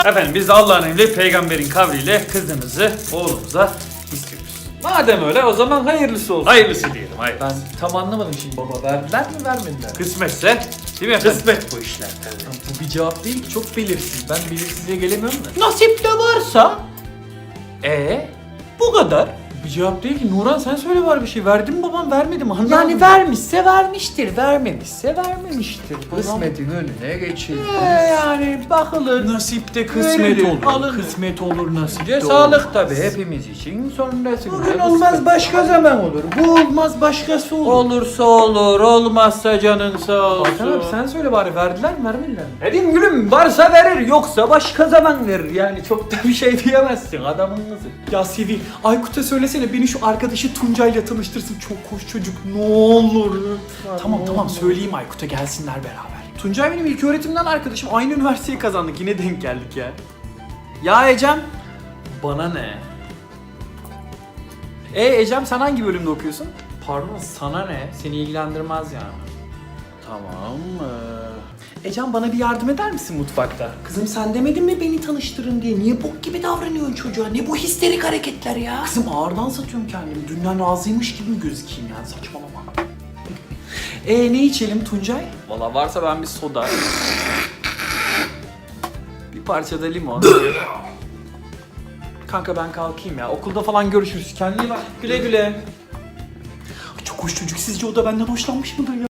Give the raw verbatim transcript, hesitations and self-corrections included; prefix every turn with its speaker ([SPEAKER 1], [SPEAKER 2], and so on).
[SPEAKER 1] Efendim biz Allah'ın emri peygamberin kavliyle kızınızı oğlumuza istiyoruz.
[SPEAKER 2] Madem öyle o zaman hayırlısı olsun.
[SPEAKER 1] Hayırlısı diyelim, hayır.
[SPEAKER 2] Ben tam anlamadım şimdi baba. Verdiler mi vermediler mi?
[SPEAKER 1] Kısmetse değil mi efendim? Kısmet bu işler.
[SPEAKER 2] Tamam, bu bir cevap değil ki, çok belirsiz. Ben belirsizliğe gelemiyorum da.
[SPEAKER 3] Nasip de varsa
[SPEAKER 2] Ee,
[SPEAKER 3] bu kadar.
[SPEAKER 2] bir cevap değil ki. Nuran sen söyle var bir şey. Verdi mi babam vermedi mi? Anlamadım.
[SPEAKER 3] Yani vermişse vermiştir, vermemişse vermemiştir.
[SPEAKER 2] Kısmetin önüne geçildi.
[SPEAKER 3] Ee, yani bakılır.
[SPEAKER 2] Nasipte kısmet
[SPEAKER 3] Verilir,
[SPEAKER 2] olur.
[SPEAKER 3] alınır.
[SPEAKER 2] Kısmet olur nasipte
[SPEAKER 3] Önce
[SPEAKER 2] olur.
[SPEAKER 3] sağlık tabii hepimiz için. Sonrasında
[SPEAKER 2] Bugün olmaz başka zaman olur. Bu olmaz başkası olur.
[SPEAKER 3] Olursa olur, olmazsa canın sağ olsun.
[SPEAKER 2] Hakan abi sen söyle bari verdiler mi vermediler mi?
[SPEAKER 3] Dedim gülüm varsa verir yoksa başka zaman verir. Yani çok da bir şey diyemezsin adamın kızı.
[SPEAKER 2] Ya Sevi, Aykut'a söylesene beni şu arkadaşı Tuncay'la tanıştırsın. Çok hoş çocuk ne olur. Tamam tamam söyleyeyim Aykut'a gelsinler beraber. Tuncay benim ilk öğretimden arkadaşım. Aynı üniversiteyi kazandık. Yine denk geldik ya. Ya Ecem. Bana ne? E Ecem sen hangi bölümde okuyorsun?
[SPEAKER 3] Pardon sana ne? Seni ilgilendirmez yani.
[SPEAKER 2] Tamam. Ee... Ecem bana bir yardım eder misin mutfakta?
[SPEAKER 3] Kızım sen demedin mi beni tanıştırın diye? Niye bok gibi davranıyorsun çocuğa? Ne bu histerik hareketler ya?
[SPEAKER 2] Kızım ağırdan satıyorum kendimi. Dünden razıymış gibi mi gözükeyim yani saçmalama. E ne içelim Tuncay?
[SPEAKER 3] Valla varsa ben bir soda. Bir parça da limon.
[SPEAKER 2] Kanka ben kalkayım ya. Okulda falan görüşürüz. Kendine iyi bak.
[SPEAKER 3] Güle güle.
[SPEAKER 2] Çok hoş çocuk. Sizce o da benden hoşlanmış mıdır ya?